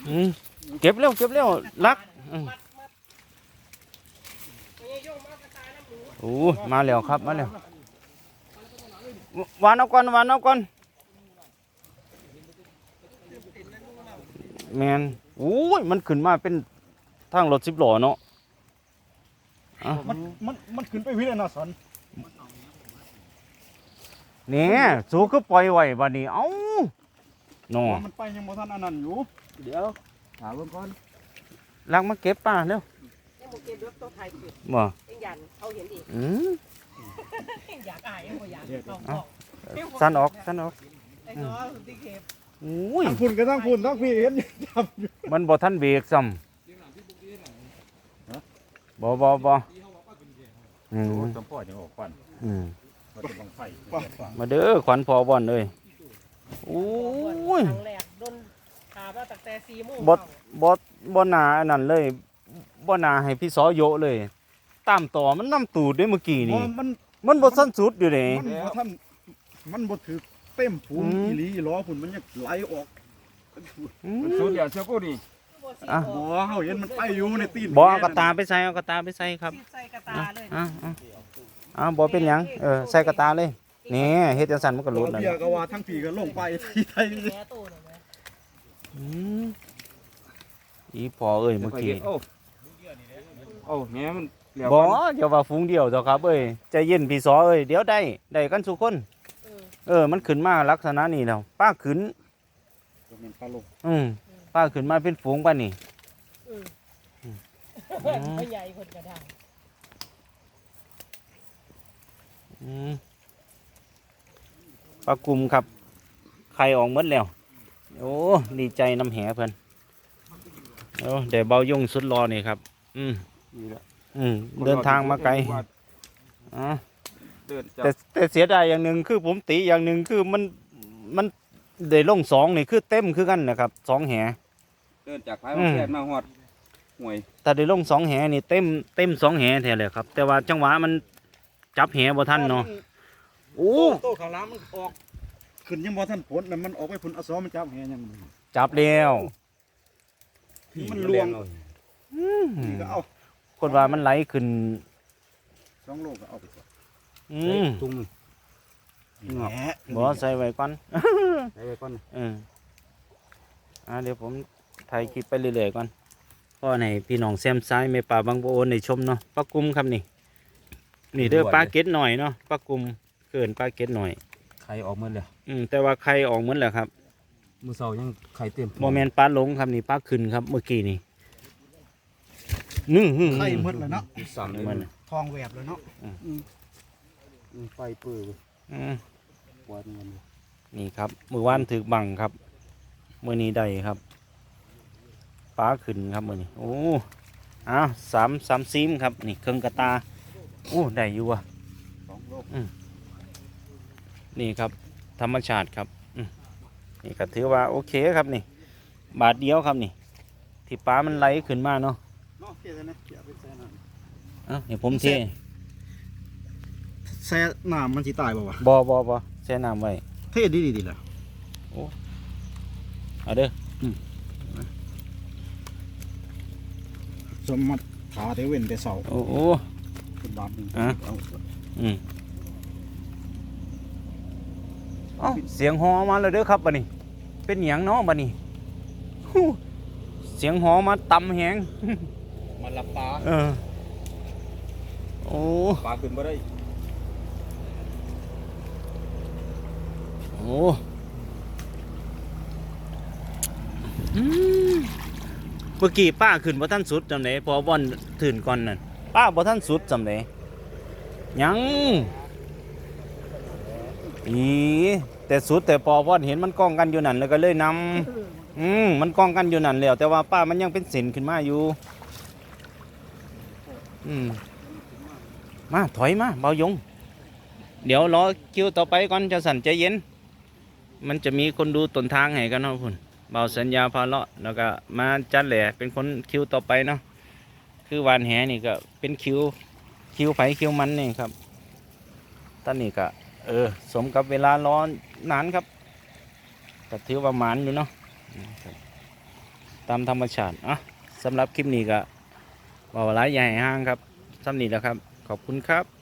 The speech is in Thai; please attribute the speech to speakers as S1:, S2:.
S1: เก็บเร็วลักโอ้มาแล้วครับมาแล้ววานเอาก่อนแมนโอ้ยมันขึ้นมาเป็นทางรถ10 ล้อเนาะ
S2: มันขึ้นไปวิ่งเลยนะสอน
S1: เนี่ยสูก็ปล่อยไว้บัดนี้เอ้าเนาะ
S2: มันไปยังบ่ทันอันนั้นอยู่
S3: เดี๋ยวถามเบิ่งก่อน
S1: ลักมาเก็บป่ะเร็ว
S4: ยังบ่เก็บรถตัวไทยอยู่
S1: บ่
S4: เอ็งยันเขาเห็นอีกอยากอายยังบ่อยาก
S1: สั้นออก
S4: ไอ้น้อยที่เก็บ
S1: โอ้ย
S2: ทั้งฝุ่นก็ทั้งฝุ่นทั้งพี่เห็นจับอยู่
S1: มันบ่ทันเบรกซ้ำบ่
S3: จำพ่อจะออกควันมันจะบังไฟ
S1: มาเด้อขวัญพอบ่อนเลยโอ้ย
S4: ครั้งแรกโดนขามาตั้งแต่4 โมง
S1: บ่นาอันนั้นเลยบ่นาให้พี่สอโยเลยตามต่อมันน้ำตูดด้วยเมื่อกี้นี่มันบ่สั้นสุดอยู่เด้
S2: มันบ่ถือเต็มถุงอีหลีล้อฝุ่นมันยังไหลออก
S3: มันสุดเดี๋ยวเชื่อกูดิ
S2: บ่เฮาเห็นมันไปอยู่ในตีน
S1: บ่เอากระตาไปใส่ครับ
S4: ใส่กระตาเลย
S1: บ่เป็นหยังใส่กระตาเลยนี่เฮ็ดจังซั่นมันก็หลุดนั่น
S2: เบียก็ว่าทั้งพี่ก็ลงไปที่ไทย
S1: อีพอเอ้ยเมื่อกี้
S3: โอ้แหมมัน
S1: บ่อย่าว่าฝูงเดียวเถอะครับเอ้ยใจเย็นพี่สอเอ้ยเดี๋ยวได้กันทุกคนมันขึ้นมาลักษณะนี้แล้วป้าขึ้นป้าขึ้นมาเป็นฝูงป่ะนี่
S4: ไม่ใหญ่คนกระดัง
S1: ปลากลุ่มครับไข่ออกหมดแล้วโอ้ดีใจน้ำแหเพิ่นเดี๋ยวเบายุ่งสุดรอนี่ครับเดินทางมาไกลแต่เสียดายอย่างหนึ่งคือผมตีอย่างหนึ่งคือมันได้ลง2นี่คือเต็มคือกันนะครับ2 แห
S3: เดินจากพายมาแค่มาหอดห่วย
S1: แต่ได้ลง2 แหนี่เต็ม2 แหแท้เลยครับแต่ว่าจังหวะมันจับแหบ่ทันเนาะ
S2: โอ้โตข้างหลังมันออกขึ้นยังบ่ทันผลมันออกไปผลอสอมันจับแหยัง
S1: จับแล้ว
S2: มันลวงก็เอา
S1: คนว่ามันไหลขึ้น
S2: 2 โลก็เอาไปก่อน
S3: ตุ้ง
S1: บ่ใส่ไว้ก่อน
S3: ใส่ไว้ก่อน
S1: เดี๋ยวผมถ่ายคลิปไปเรื่อยๆก่อนพ่อในพี่น้องแซมซ้ายแม่ป่าบางโบในชมเนาะปลากุมครับนี่เด้อปลาเก็ดหน่อยเนาะปลากุมเกินปลาเก็ดหน่อย
S3: ไข่ออกหมดเลย
S1: แต่ว่าไข่ออกหมดแล้วครับ
S3: มือเสายังไข่เต็ม
S1: โมเมนต์ปลาหลงครับนี่ปลาขึ้นครับเมื่อกี้นี่
S2: ไข่หมดเลยเนาะ
S3: สั่ง
S1: มัน
S2: ทองแหวบเลยเนาะ
S3: ไฟปื้อปวดเงิน
S1: นี่ครับมือว่านถือบังครับมือนี้ได้ครับปลาขึ้นครับมือนี้โอ้3 ซีมครับนี่เครื่องกระตาโอ้ได้อยู่ว่ะ
S2: 2 โล
S1: นี่ครับธรรมชาติครับนี่ก็ถือว่าโอเคครับนี่บาทเดียวครับนี่ที่ปลามันไหลขึ้นมาเนาะนี่ผมเท
S2: แช่น้ำมันสิตายบ่วะ
S1: บ่แช่น้ำไว้
S2: เทดีล่ะ
S1: โอ้เอาเด้อ
S2: สมมัติขาเทเว้นแต่เสา
S1: โอ้
S2: เป็นบาทนึง
S1: เสียงฮอมาเลยเด้อครับบัดนี้เป็นหยังเนาะบัดนี้เสียงฮอมาต่ำแหง
S3: มันลับปลา
S1: โอ้
S3: ปลาขึ้นมาได้
S1: โอ้เมื่อกี้ป้าขึ้นบ่ท่านสุดจำไหนพอบอลตื่นก่อนนั่นป้าบ่ท่านสุดจำไหนยังแต่สุดแต่พอบอลเห็นมันกล้องกันอยู่นั่นแล้วก็เลยนำมันกล้องกันอยู่นั่นแล้วแต่ว่าป้ามันยังเป็นเส้นขึ้นมาอยู่มาถอยมาเบายงเดี๋ยวรอคิวต่อไปก่อนจะสั่นใจเย็นมันจะมีคนดูต้นทางให้กันเนาะคุณเบาสัญญาพาเลาะแล้วก็มาจัดแหล่เป็นคนคิวต่อไปเนาะคือวานแหนี่ก็เป็นคิวไผคิวมันนี่ครับตอนนี้ก็สมกับเวลาร้อนนานครับก็ถือว่าหมานอยู่เนาะตตามธรรมชาติอ่ะสำหรับคลิปนี้ก็บอกว่าหลายใหญ่ห้างครับสำนี้แหล้วครับขอบคุณครับ